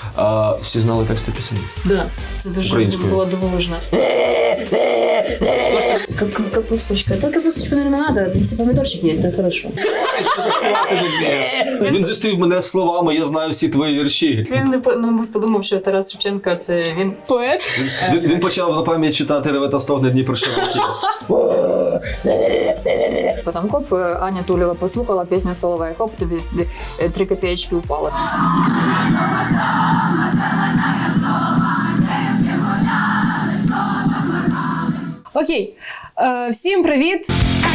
всі знали тексти пісень? Да, це дуже було дивовижно. Капусточка. Да, капусточку, наверное, надо. Если помидорчик есть, то хорошо. Він зустрів мене словами «Я знаю всі твої вірші». Він не подумав, що Тарас Шевченко – це він поет. Він почав на пам'ять читати «Реве та стогне Дніпро широкий». Потім коп, Аня Тулєва послухала пісню Соловей. Хоп, тобі 3 копеечки упало. Окей. Всім привіт.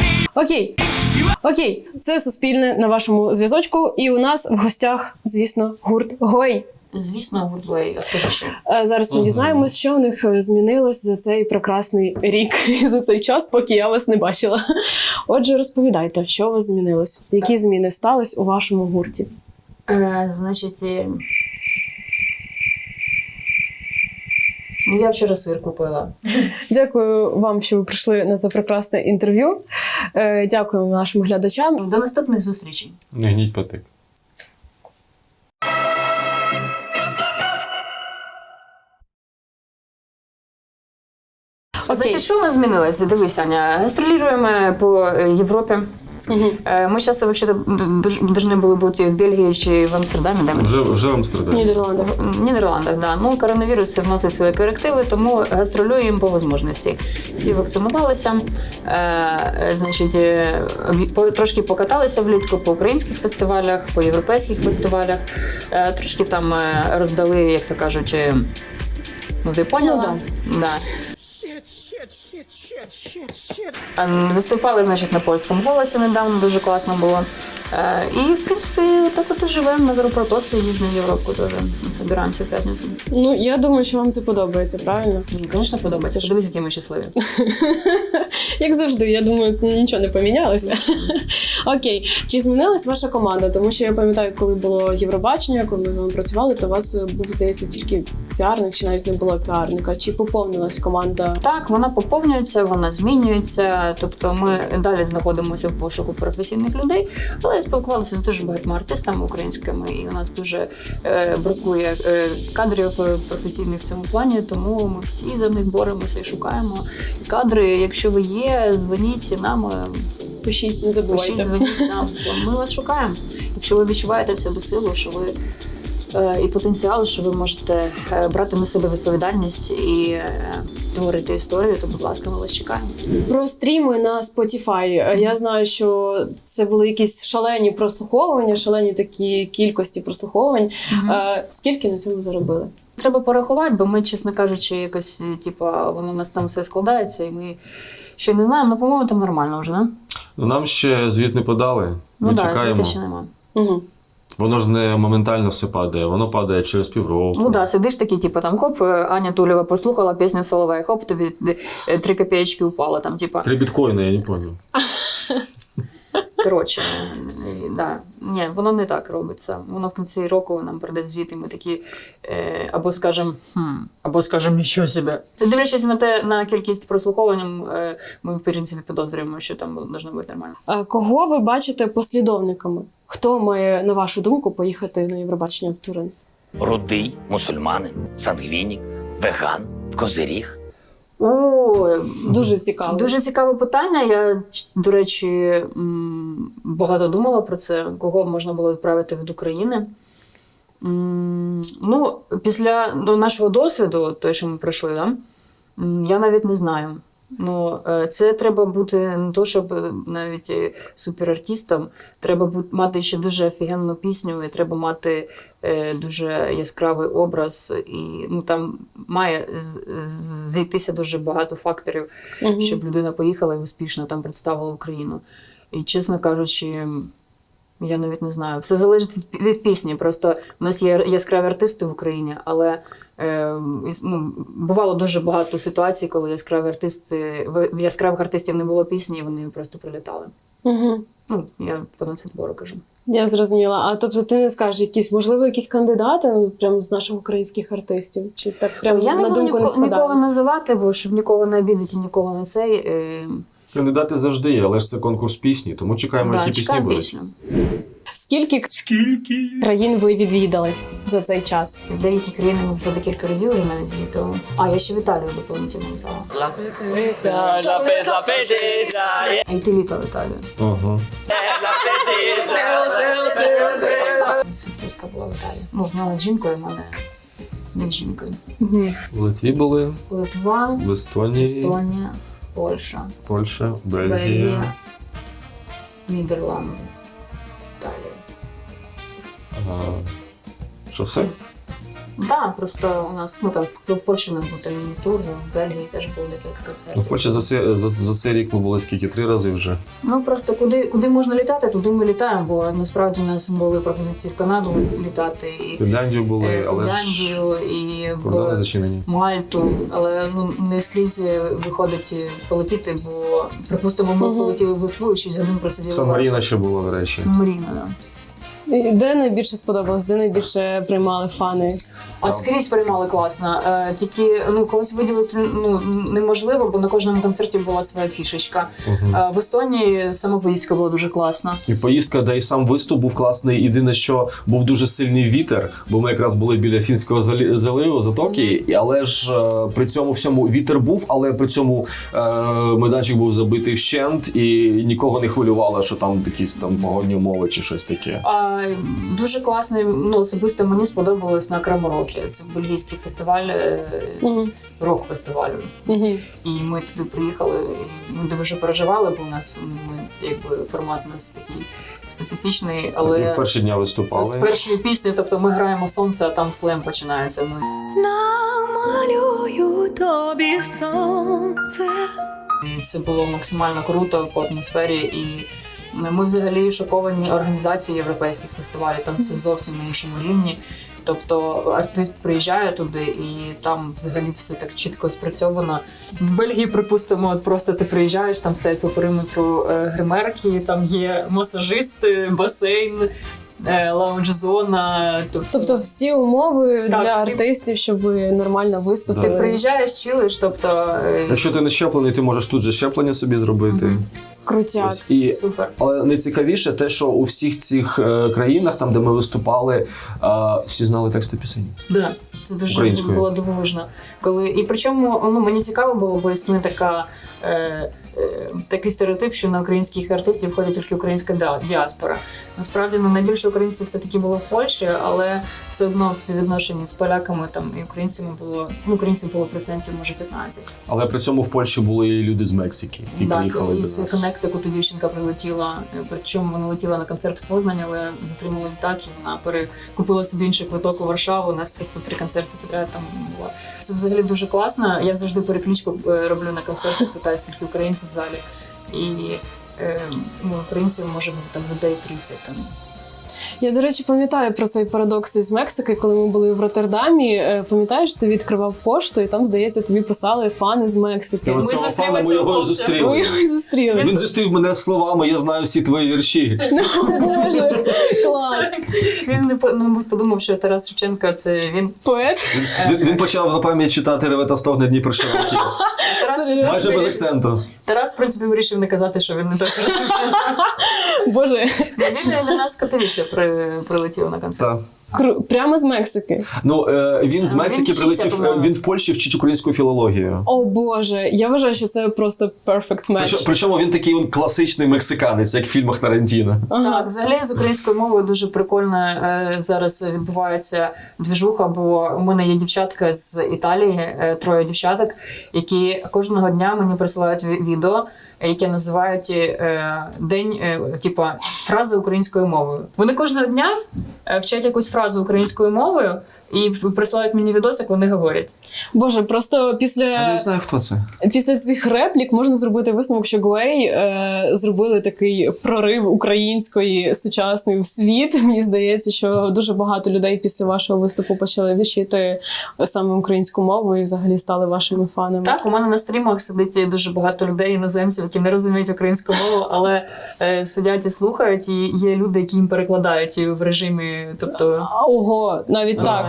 Окей. Це Суспільне на вашому зв'язочку. І у нас в гостях, звісно, гурт Гвей. Звісно, гурт Гвей. А скажи, що? Зараз ми дізнаємось, що у них змінилось за цей прекрасний рік і за цей час, поки я вас не бачила. Отже, розповідайте, що у вас змінилось? Які зміни стались у вашому гурті? Значить, я вчора сир купила. Дякую вам, що ви прийшли на це прекрасне інтерв'ю. Дякуємо нашим глядачам. До наступних зустрічей. Не гніть патик. Значить, що у нас змінилося? Дивись, Аня, гастролюємо по Європі. Ми зараз повинні були бути в Бельгії чи в Амстердамі. Вже в Амстердамі. В Нідерландах, да. Ну, коронавірус вносить свої корективи, тому гастролюємо по можливості. Всі вакцинувалися, значить, трошки покаталися влітку по українських фестивалях, по європейських фестивалях, трошки там роздали, як то кажуть, ну ти поняла? Да. Виступали, значить, на польському голосі недавно, дуже класно було. І, в принципі, так от і живемо на Европротоси, їздимо в Європу теж. Збираємося в п'ятницю. Ну, я думаю, що вам це подобається, правильно? Ну, звісно, подобається. Подивись, які ми щасливі. Як завжди, я думаю, нічого не помінялося. Окей. Чи змінилась ваша команда? Тому що я пам'ятаю, коли було Євробачення, коли ми з вами працювали, то у вас був, здається, тільки піарник, чи навіть не було піарника. Чи поповнилась команда? Так, вона поповнюється, вона змінюється. Тобто ми далі знаходимося в пошуку професійних людей, але спілкувалися з дуже багатьма артистами українськими, і у нас дуже бракує кадрів професійних в цьому плані, тому ми всі за них боремося і шукаємо кадри. Якщо ви є, дзвоніть нам. Пишіть, не забувайте. Пишіть, дзвоніть нам. Ми вас шукаємо. Якщо ви відчуваєте в себе силу, що ви і потенціал, що ви можете брати на себе відповідальність і творити історію, то, будь ласка, ми вас чекаємо. Про стріми на Spotify. Я знаю, що це були якісь шалені прослуховування, шалені такі кількості прослуховувань. Скільки на цьому заробили? Треба порахувати, бо ми, чесно кажучи, якось, воно у нас там все складається, і ми ще не знаємо, але, по-моєму, там нормально вже, не? Ну, нам ще звіт не подали. Ми чекаємо. Звіти ще немає. Воно ж не моментально все падає, воно падає через півроку. Ну так, сидиш такий, там, хоп, Аня Тулєва послухала пісню Соловей, хоп, тобі 3 копеечки упало, там, 3 біткоїни, я не пам'ятаю. Коротше, да. Ні, воно не так робиться. Воно в кінці року нам прийде звіт, і ми такі, або скажемо, нічого себе. Дивлячись на кількість прослуховувань, ми, в принципі, підозрюємо, що там должно бути нормально. Кого ви бачите послідовниками? Хто має, на вашу думку, поїхати на Євробачення в Турин? Рудий, мусульманин, сангвінік, веган, козиріг. Дуже цікаво. Дуже цікаве питання. Я, до речі, багато думала про це, кого можна було відправити від України. Ну, після нашого досвіду, той, що ми пройшли, да, я навіть не знаю. Ну, це треба бути не то, щоб навіть суперартистом, треба мати ще дуже офігенну пісню, і треба мати дуже яскравий образ, і там має зійтися дуже багато факторів, щоб людина поїхала і успішно там представила Україну. І, чесно кажучи, я навіть не знаю. Все залежить від пісні. Просто у нас є яскраві артисти в Україні, але бувало дуже багато ситуацій, коли яскравих артистів не було пісні, і вони просто прилітали. Я по нацвідбору кажу. Я зрозуміла. А тобто ти не скажеш, можливо, якісь кандидати прямо з наших українських артистів? Чи так прямо на думку не спадає? Я не буду нікого називати, бо щоб нікого не обідати, нікого не цей. Кандидати завжди є, але ж це конкурс пісні, тому чекаємо, які пісні будуть. Скільки країн ви відвідали за цей час? В деякі країни ми по декілька разів вже навіть з'їздили. А я ще в Італію дополнительно літала. А й ти літав в Італію. Ага. Супруска була в Італії. Ну, в нього з жінкою, в мене не з жінкою. В Литві були, Литва, в Естонії, Естонія, Польща, Польща, Бельгія. Бельгія, Нідерланди, Італія. Що все? Так, просто у нас, ну там в Польщі у нас був там міні-тур, в Бельгії теж було декілька Ну, в концертів. Польщі за цей рік ми були скільки? 3 рази вже. Ну просто куди можна літати, туди ми літаємо, бо насправді у нас були пропозиції в Канаду літати, і В Фінляндію були, але ж Фінляндію, і кордони в зачинені. Мальту, але ну не скрізь виходить полетіти, бо припустимо, ми полетіли в Литву і 6 годин просиділи. Сан-Маріно ще було, до речі. Сан-Маріно, да. І де найбільше сподобалось, де найбільше приймали фани? А скрізь приймали класно. Тільки ну когось виділити ну неможливо, бо на кожному концерті була своя фішечка. В Естонії сама поїздка була дуже класна. І поїздка, де і сам виступ був класний. Єдине, що був дуже сильний вітер, бо ми якраз були біля Фінського заливу, затоки, але ж при цьому всьому вітер був, але при цьому майданчик був забитий вщент і нікого не хвилювало, що там якісь там погодні умови чи щось таке. Дуже класний, ну особисто мені сподобалось на Краморокі. Це бельгійський фестиваль, рок-фестиваль. І ми туди приїхали, і ми дуже переживали, бо у нас якби формат у нас такий специфічний, але Ми в перші дня виступали. з першої пісні, тобто ми граємо сонце, а там слем починається. Намалюю тобі сонце. І це було максимально круто по атмосфері, і ми взагалі шоковані організацією європейських фестивалів, там все зовсім на іншому рівні. Тобто артист приїжджає туди, і там взагалі все так чітко спрацьовано. В Бельгії, припустимо, от просто ти приїжджаєш, там стоять по периметру гримерки, там є масажисти, басейн, лаунж-зона. Тобто всі умови Так, для ти- артистів, щоб ви нормально виступили. Ти приїжджаєш, чилиш, тобто Якщо ти не щеплений, ти можеш тут же щеплення собі зробити. Крутяк. Ось. І супер. але найцікавіше те, що у всіх цих країнах, там де ми виступали, всі знали тексти пісень. Да, це дуже Українською. було дивовижно. І причому ну, мені цікаво було, бо існує такий стереотип, що на українських артистів ходять тільки українська діаспора. Насправді ну, найбільше українців все-таки було в Польщі, але все одно в співвідношенні з поляками там, і українців було процентів, може, 15. Але при цьому в Польщі були і люди з Мексики, які Так, приїхали до із нас. Коннектикуту дівчинка прилетіла, причому вона летіла на концерт в Познані, але затримала літак, і вона перекупила собі інший квиток у Варшаву, у нас просто 3 концерти підряд там було. Це взагалі дуже класно, я завжди переключку роблю на концертах, питаю, скільки українців в залі, і ну, українців може бути там людей 30 там. Я, до речі, пам'ятаю про цей парадокс із Мексики, коли ми були в Роттердамі. Пам'ятаєш, ти відкривав пошту, і там, здається, тобі писали фани з Мексики. І Ми оцього зустріли пана ми цього його хлопця. Ми зустріли. його зустріли. Він зустрів мене словами «Я знаю всі твої вірші». Боже, клас. Він не подумав, що Тарас Шевченко це він. Поет. Він почав на пам'ять читати «Реве та стогне Дніпро широкий». Майже без акценту. Тарас, в принципі, вирішив не казати, що він не той Тарас Шевченко. Боже, Він для нас з Катовіця прилетів на концерт. Так. прямо з Мексики. Ну, він з Мексики вчиться, прилетів, по-моєму. він в Польщі вчить українську філологію. О Боже, я вважаю, що це просто perfect match. Причому він такий класичний мексиканець, як в фільмах Тарантіно. Так, взагалі з українською мовою дуже прикольно зараз відбувається двіжуха, бо у мене є дівчатка з Італії, 3 дівчаток, які кожного дня мені присилають відео, яке називають день, типа фрази українською мовою. Вони кожного дня вчать якусь фразу українською мовою і присилають мені відос, як вони говорять. Боже, просто Я після не знаю, хто це. цих реплік можна зробити висновок, що Гуей зробили такий прорив української сучасної в світ. Мені здається, що дуже багато людей після вашого виступу почали вчити саме українську мову і взагалі стали вашими фанами. Так, у мене на стрімах сидить дуже багато людей, іноземців, які не розуміють українську мову, але сидять і слухають, і є люди, які їм перекладають в режимі, тобто... Ого, навіть так.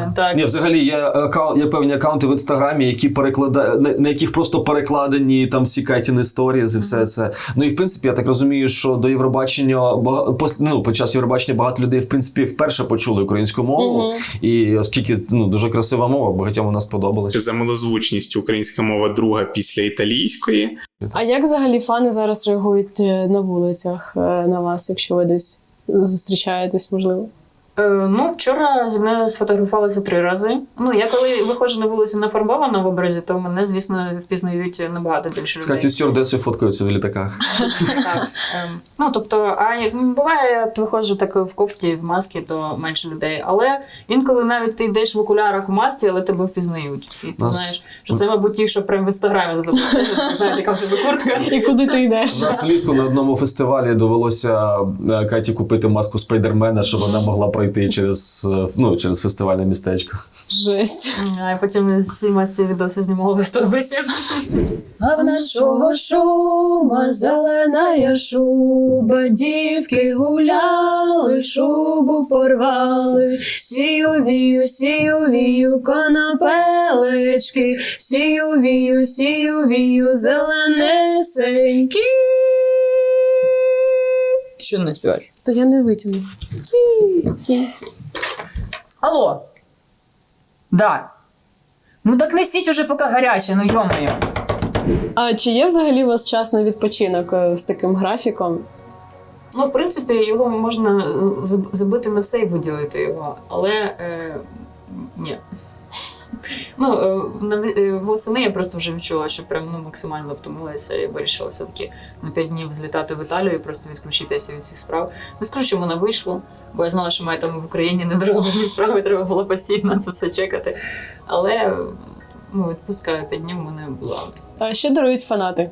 Так. Ні, взагалі є певні акаунти в інстаграмі, які на яких просто перекладені там всі Катіни сторізи і все це. Ну і в принципі, я так розумію, що до Євробачення під час Євробачення багато людей в принципі вперше почули українську мову. І оскільки дуже красива мова, багатьом вона сподобалась. За милозвучністю українська мова друга після італійської. А як взагалі фани зараз реагують на вулицях на вас, якщо ви десь зустрічаєтесь, можливо? Ну, вчора зі мною сфотографувалися 3 рази. Ну, я коли виходжу на вулицю нафарбована в образі, то мене, звісно, впізнають набагато більше З людей. Катю стюардесою фоткаються в літаках. Так. Ну, тобто, буває, я виходжу так в кофті, в масці, то менше людей. Але інколи навіть ти йдеш в окулярах в масці, але тебе впізнають. І ти знаєш, що це, мабуть, ті, що прямо в інстаграмі запустили, знаєте, яка в тебе куртка. І куди ти йдеш? У нас влітку на одному фестивалі довелося Каті купити маску Спайдермена, щоб вона могла пройти через фестивальне містечко. Жесть. А потім ці масці відоси знімали в автобусі. А в нашого шума зелена шуба, дівки гуляли, шубу порвали, сію вію, конопелечки, сію вію, зеленесенькі. Що не співаєш? То я не витягну. Алло. Да. Ну так несіть уже поки гаряче, ну йо-моє. А чи є взагалі у вас час на відпочинок з таким графіком? Ну, в принципі, його можна забити на все і виділити його, але ні. Ну, восени я просто вже відчула, що прям максимально втомилася і вирішила все-таки на 5 днів злітати в Італію і просто відключитися від цих справ. Не скажу, що воно вийшло, бо я знала, що маю там в Україні недороблені справи, треба було постійно це все чекати. Але відпустка 5 днів у мене була. А що дарують фанати?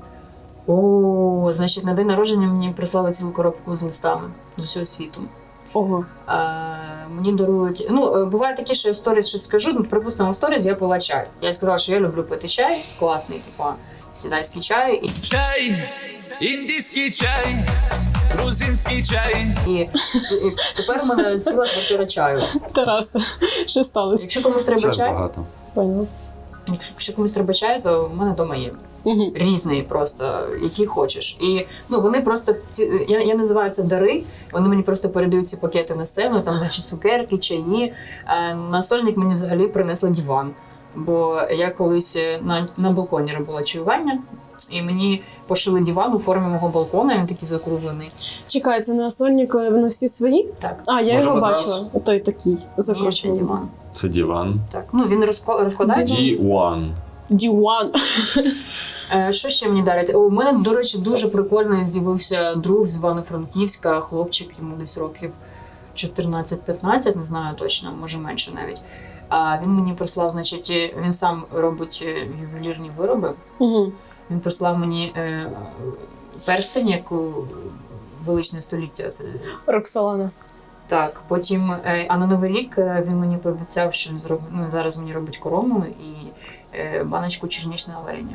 Значить, на день народження мені прислали цілу коробку з листами з усього світу. Ого. Мені дарують. Ну, буває таке, що я в сторіс щось скажу. Припустимо, в сторіс я пила чай. Я сказала, що я люблю пити чай, класний, китайський чай. Чай, індійський чай, грузинський чай. І тепер у мене ціла квартира чаю. Тарасе, що сталося? Якщо комусь треба чай, багато. Поняла. якщо комусь треба чай, то в мене вдома є. Угу. Різний просто, який хочеш. І вони просто, я називаю це дари, вони мені просто передають ці пакети на сцену, там, значить, цукерки, чаї. На сольник мені взагалі принесли диван, бо я колись на балконі робила чаювання, і мені пошили диван у формі мого балкона, він такий закруглений. Чекай, це на сольнику вони всі свої? Так. А, я Може, його матрас? бачила. Той такий, Ні, це закручений. диван. Це диван. Так. Ну, він розкладається. Діван. Діван. Що ще мені дарять? У мене, до речі, дуже прикольний з'явився друг з Івано-Франківська, хлопчик, йому десь років 14-15, не знаю точно, може менше навіть. А він мені прислав, значить, він сам робить ювелірні вироби. Угу. Він прислав мені перстень, як у величне століття. Роксолана. Так, потім, а на Новий рік він мені пообіцяв, що він зараз мені робить корону і баночку черничного варення.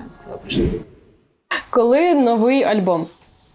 Коли новий альбом?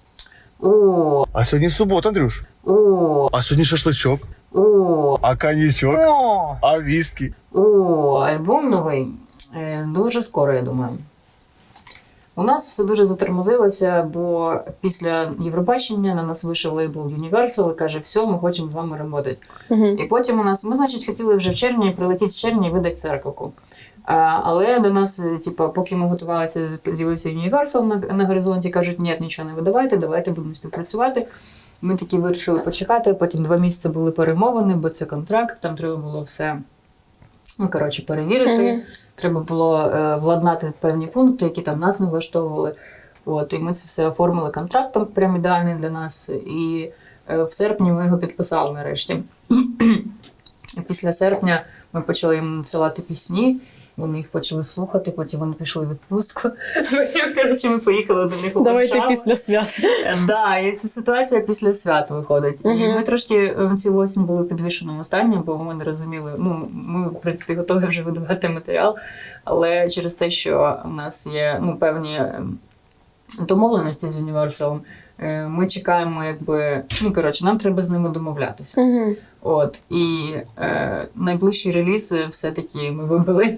А сьогодні субота, Андрюш. А сьогодні шашличок. А коньячок. А віскі. Альбом новий. Дуже скоро, я думаю. У нас все дуже затормозилося, бо після Євробачення на нас вийшов лейбл Universal і каже, все, ми хочемо з вами працювати. Угу. І потім ми, значить, хотіли вже в червні прилетіти з червня і видати церковку. Але до нас, поки ми готувалися, з'явився Universal на горизонті, кажуть, ні, нічого не видавайте, давайте будемо співпрацювати. Ми таки вирішили почекати, потім 2 місяці були перемовини, бо це контракт, там треба було все, перевірити. Треба було владнати певні пункти, які там нас не влаштовували. І ми це все оформили контрактом, прям ідеальний для нас. І в серпні ми його підписали нарешті. І після серпня ми почали їм надсилати пісні, вони їх почали слухати, потім вони пішли в відпустку. Ми поїхали до них у Давайте Варшаву. після свят. Так, і ця ситуація після свят виходить. І ми трошки цю осінь були в підвішеному стані, бо ми не розуміли, ми, в принципі, готові вже видавати матеріал, але через те, що у нас є певні домовленості з Universal, Ми чекаємо, якби, ну, коротше, нам треба з ними домовлятися. Угу. От, і найближчі релізи все-таки ми вибили.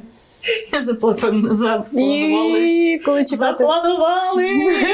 Коли чекати? Запланували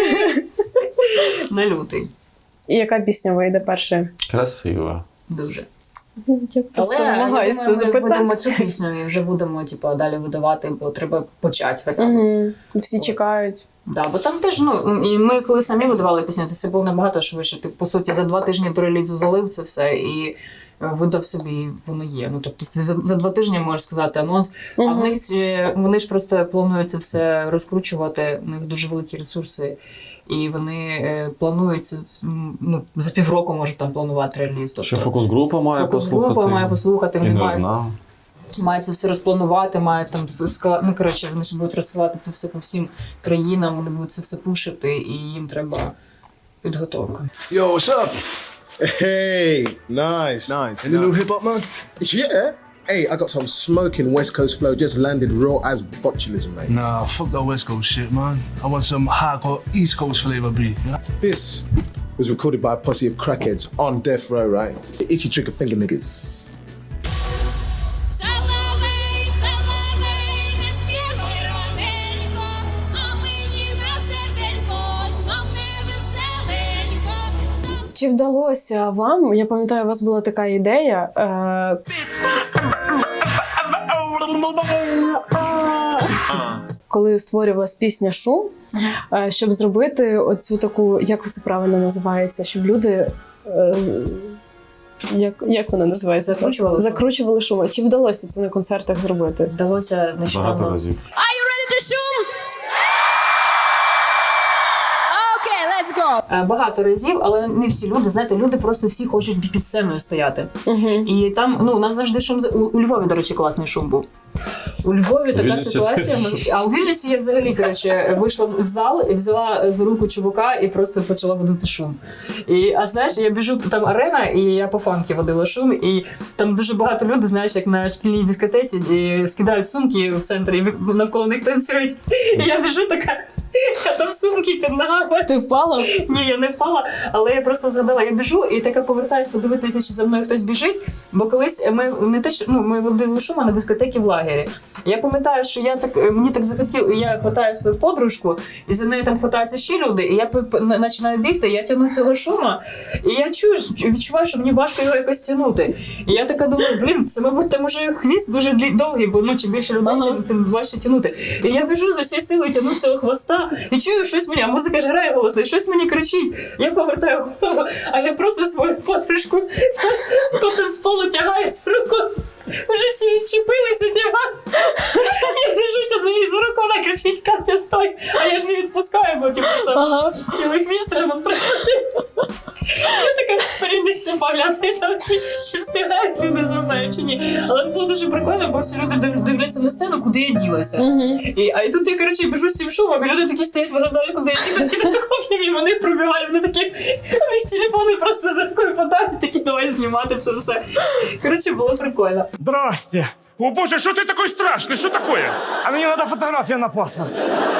на лютий. І яка пісня вийде перша? Красиво. Дуже. Я просто Але намагаюся я думаю, ми запитати. будемо цю пісню і вже будемо типу, далі видавати, бо треба почати хоча б. Угу. Всі чекають. Да, бо там теж, ну, і ми коли самі видавали пісню, то це було набагато швидше. Ти, по суті, за 2 тижні до релізу залив це все і видав собі, і воно є. Ну, тобто ти за 2 тижні можеш сказати анонс, а в них вони ж просто планують це все розкручувати, у них дуже великі ресурси. І вони планують це, ну, за півроку можуть там планувати реліз. Тобто, Ще фокус-група має послухати. Фокус-група має послухати, І вони не мають, одна. мають це все розпланувати, мають там ну, коротше, вони ж будуть розсилати це все по всім країнам, вони будуть це все пушити, і їм треба підготовка. Yo, what's up? Hey, nice. Any new hip hop, man? Yeah. Hey, I got some smoking West Coast flow, just landed raw as botulism, mate. Nah, fuck that West Coast shit, man. I want some hardcore East Coast flavor beat. You know? This was recorded by a posse of crackheads on death row, right? The itchy trigger finger niggas. Чи вдалося вам, я пам'ятаю, у вас була така ідея, коли створювалась пісня «Шум», щоб зробити оцю таку, як це правильно називається, щоб люди, як вона називається? Закручували шум. Чи вдалося це на концертах зробити? Вдалося нещодавно. Багато разів. Багато разів, але не всі люди, знаєте, люди просто всі хочуть під сценою стояти. І там, ну, у нас завжди шум, у Львові, до речі, класний шум був. У Львові така Вінниці ситуація, а у Вінниці я взагалі, коротше, вийшла в зал і взяла за руку чувака і просто почала водити шум. А знаєш, я біжу, там арена, і я по фанки водила шум, і там дуже багато людей, знаєш, як на шкільній дискотеці, і скидають сумки в центрі, і навколо них танцюють. І я біжу така, а там сумки під ногами. Ти впала? Ні, я не впала, але я просто згадала, я біжу і така повертаюсь подивитися, чи за мною хтось біжить, бо колись ми водили шум на дискотекі в лагері. Я пам'ятаю, що мені так захотіло, я хватаю свою подружку, і за нею там хватаються ще люди, і я починаю бігти, я тягну цього шума, і я відчуваю, що мені важко його якось тягнути. І я така думаю, це, мабуть, там уже хвіст дуже довгий, бо чим більше людей, тим важче тягнути. І я біжу з усієї сили, тягну цього хвоста, і чую щось мені, а музика ж грає голосно, і щось мені кричить. Я повертаю голову, а я просто свою подружку по танцполу тягаю з руку. Вже всі відчепилися, я біжу, тягну її за руку, вона кричить, Катя, стой! А я ж не відпускаю, бо цілий хвіст треба втримати. Я така періодично поглядаю, там, чи встигають люди за мною, чи ні. Але було дуже прикольно, бо всі люди дивляться на сцену, куди я ділася. І тут я, коротше, біжу з цим шумом, і люди такі стоять, виглядають, куди я ділася, і такі, і вони пробігають, вони такі, у них телефони просто за рукою подають, такі, давай знімати це все. Коротше, було прикольно. Здрасте. О боже, что ты такой страшный? Что такое? А мне надо фотография на паспорт.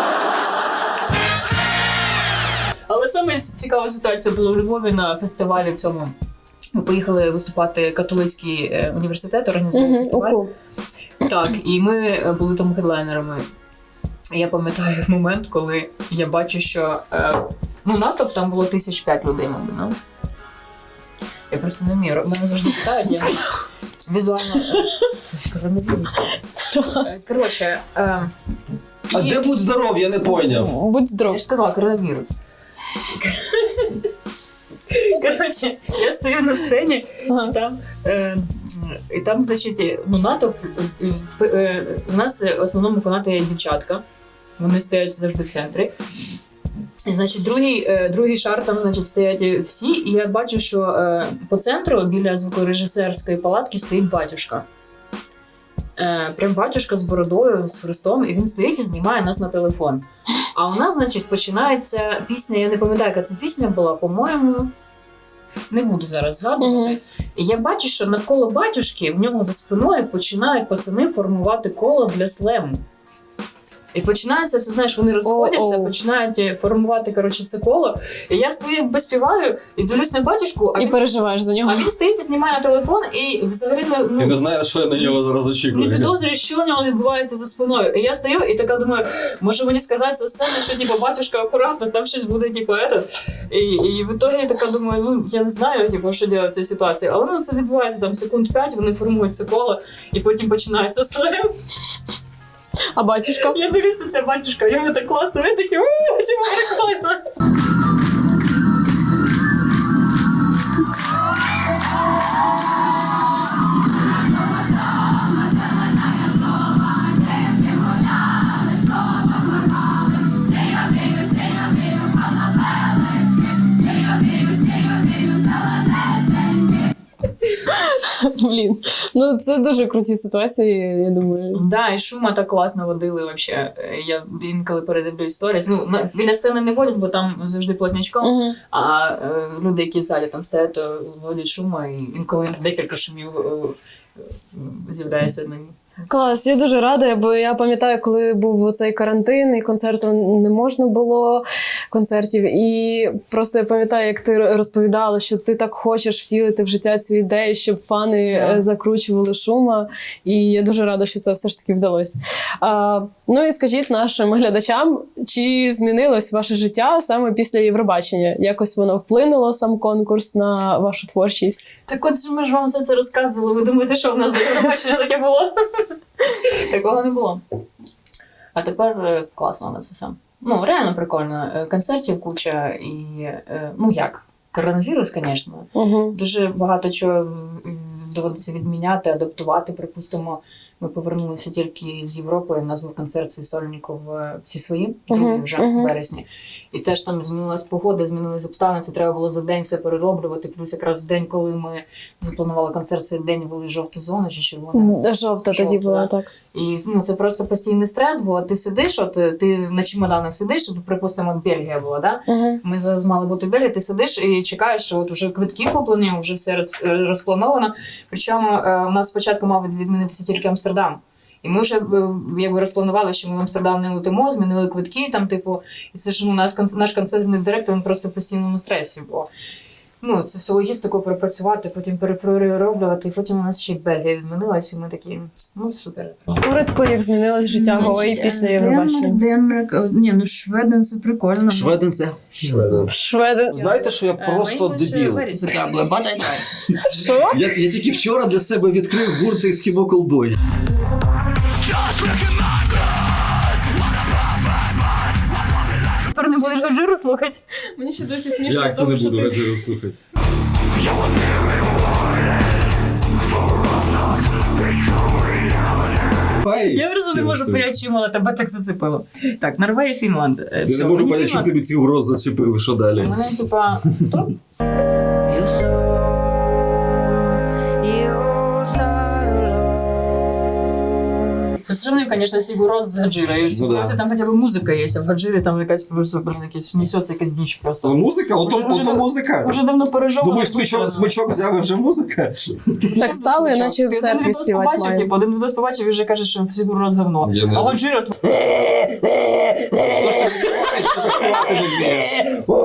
Але саме цікава ситуація була у Львові на фестивалі в цьому. Ми поїхали виступати католицький університет, організував фестиваль. Так, і ми були там хедлайнерами. Я пам'ятаю момент, коли я бачу, що натовп там було 1005 людей, мабуть. Я просто не вмію. Мене завжди питають, я візуально... Коротше... А де будь здоров, я не пойняв. Будь здоров. Я ж сказала, коронавірус. Коротше, я стою на сцені, і там, значить, натовп, у нас в основному фанати дівчатка, вони стоять завжди в центрі. І, значить, другий шар там, значить, стоять всі, і я бачу, що по центру, біля звукорежисерської палатки, стоїть батюшка. Прям батюшка з бородою, з хрестом, і він стоїть і знімає нас на телефон. А у нас, значить, починається пісня, я не пам'ятаю, яка це пісня була, по-моєму, не буду зараз згадувати. І я бачу, що навколо батюшки, в нього за спиною починають пацани формувати коло для слему. І починається, це знаєш, вони розходяться, починають формувати, коротше, це коло. І я стою, якби співаю, і дивлюсь на батюшку, І переживаєш за нього. а він стоїть і знімає на телефон, і взагалі І не знаю, що я на нього зараз очікую. не підозрюю, що у нього відбувається за спиною. І я стою і така думаю, може мені сказати за сцену, що типу, батюшка, акуратно, там щось буде, типу, І в ітогі я така думаю, ну я не знаю, типу, що робити в цій ситуації. Але ну, це відбувається там секунд 5, вони формують це коло, і потім починається слем. А батюшка? Я дивлюся, ця батюшка, йому так класно, він такий, типу, прикольно. Блін, ну це дуже круті ситуації, я думаю. Да, і шума так класно водили вообще. Я інколи передивлю сторіс. Ну, біля сцени не водять, бо там завжди плотнячком, а люди, які в залі там стоять, то водять шума, і інколи декілька шумів з'являється на ній. Клас, я дуже рада, бо я пам'ятаю, коли був цей карантин, і концерту не можна було, концертів. І просто я пам'ятаю, як ти розповідала, що ти так хочеш втілити в життя цю ідею, щоб фани закручували шума. І я дуже рада, що це все ж таки вдалося. Ну і скажіть нашим глядачам, чи змінилось ваше життя саме після Євробачення? Якось воно вплинуло, сам конкурс, на вашу творчість? Так от ми ж вам все це розказували. Ви думаєте, що в нас до Євробачення таке було? Такого не було. А тепер класно у нас все. Ну, реально прикольно. Концертів куча і, ну як, коронавірус, звісно. Дуже багато чого доводиться відміняти, адаптувати. Припустимо, ми повернулися тільки з Європи, у нас був концерт Сольников всі свої, вже в вересні. І теж там змінилась погода, змінились обставини, це треба було за день все перероблювати. Плюс якраз в день, коли ми запланували концерт, цей день ввели жовту зону чи червону. Жовта тоді була, так. І ну, це просто постійний стрес, бо ти сидиш, ти на чемоданах сидиш, припустимо, от Бельгія була, да? Ми зараз мали бути в Бельгії, ти сидиш і чекаєш, що от вже квитки куплені, вже все розплановано. Причому у нас спочатку мав відмінитися тільки Амстердам. І ми вже якби розпланували, що ми в Амстердам не летимо, змінили квитки, там, типу, і це ж ну, наш концертний директор, він просто в постійному стресі, бо ну, це всю логістику перепрацювати, потім перероблювати, і потім у нас ще й Бельгія відмінилась, і ми такі, ну, супер. Коротко, як змінилось життя Гої після Євробачення? Ні, ну Шведен це прикольно. Шведен це? Шведи. Знаєте, що я просто дебіл? Що? Я тільки вчора для себе відкрив гурт Eskimo Callboy. Тепер не будеш Гаджиру слухати? Мені ще досі смішно. Як це не буду Гаджиру слухати? Я просто не можу поняти, чому тебе так зацепило. Так, Норвегія, Фінланд. Я не можу поняти, чим тобі цей угроз зачепив, що далі? У мене, типа, хто? Сравнив, звісно, Сігуроз з Гаджирою. В Сігурозі там хоча б музика є, а в Гаджирі там якась просто несеться якась діч просто. Музика? Ото музика. Уже давно пережовано. Думаєш, смичок взяв і вже музика? Так стали, наче в церкві співати мають. Один відос побачив і вже каже, що Сігуроз говно. А Гаджира... Хто ж ти співаєш, що ти співати не вмієш?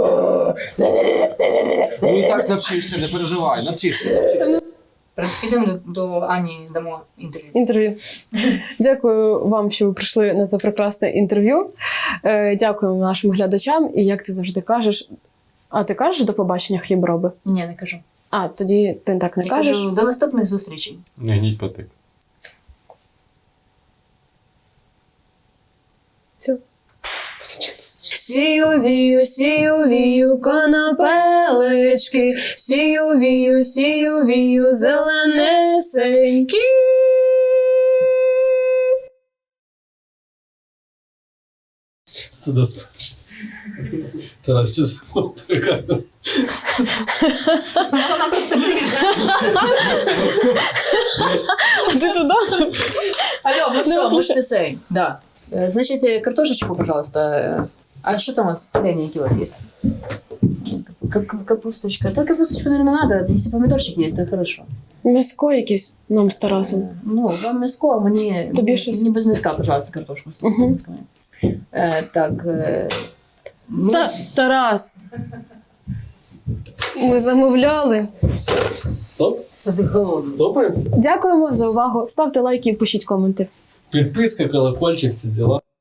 Ну і так навчишся, не переживай, навчишся. Підемо до Ані, дамо Інтерв'ю. Дякую вам, що ви прийшли на це прекрасне інтерв'ю. Дякуємо нашим глядачам. І як ти завжди кажеш... А ти кажеш до побачення, хлібороби? Ні, не кажу. А, тоді ти так не Я кажеш? кажу, до наступних зустрічей. Не гніть патик. Все. Сію вію, конопелечки, сію вію, зеленесенькі. Це до спочатку. Тарас, що це така? Ти туди? Алло, ну все, можете цей. Да. Значит, картошечку, пожалуйста. А что там у вас соленья у вас есть? Капусточка. Да, капусточку, наверное, надо. Если помидорчик есть, то хорошо. М'яско якесь нам з Тарасом. Ну, вам мяско, а мне Тобі щось? не без мяска, пожалуйста, картошку. Так. Ну, Тарас. Ми замовляли. Стоп? сиди голодний. Стопаємося? Дякуємо за увагу. Ставте лайки і пишіть коменти. Підписка, колокольчик, всі діла.